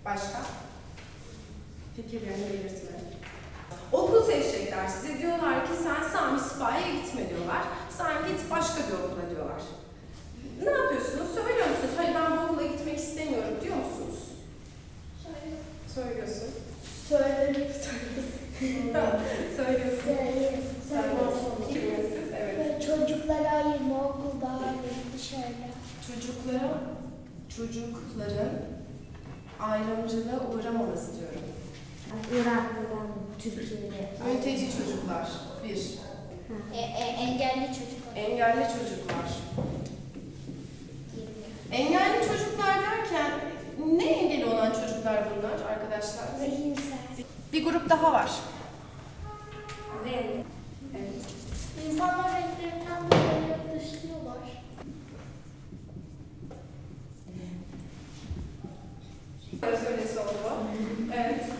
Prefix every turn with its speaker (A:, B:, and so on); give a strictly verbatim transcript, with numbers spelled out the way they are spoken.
A: Başka? Fikirlerini belirtme. Okul seçecekler size. Diyorlar ki sen Sami Sipahi'ye gitme diyorlar. Sen git başka bir okula diyorlar. Ne yapıyorsunuz? Söylüyor musunuz? Hayır ben bu okula gitmek istemiyorum diyor musunuz?
B: Söyle.
A: Söylüyorsun.
B: Söylerim.
A: Tamam. Söylüyorsun.
B: Söyleyeyim.
A: Söylüyorsun. Kimsiniz? Evet.
B: Çocuklara ayırma, okul daha dışarıda.
A: Çocuklara, çocukların ayrımcılığa uğramaması diyorum.
C: Irak'tan Türkiye'ye.
A: Mülteci çocuklar. Bir.
B: E, e, engelli çocuklar.
A: Engelli çocuklar. Engelli çocuklar derken ne engeli olan çocuklar bunlar arkadaşlar?
B: Zihinsel.
A: Bir grup daha var.
C: Ve
A: Evet.
B: İnsanlar renklerinden dolayı dışlıyorlar.
A: Söylesi oldu. Evet.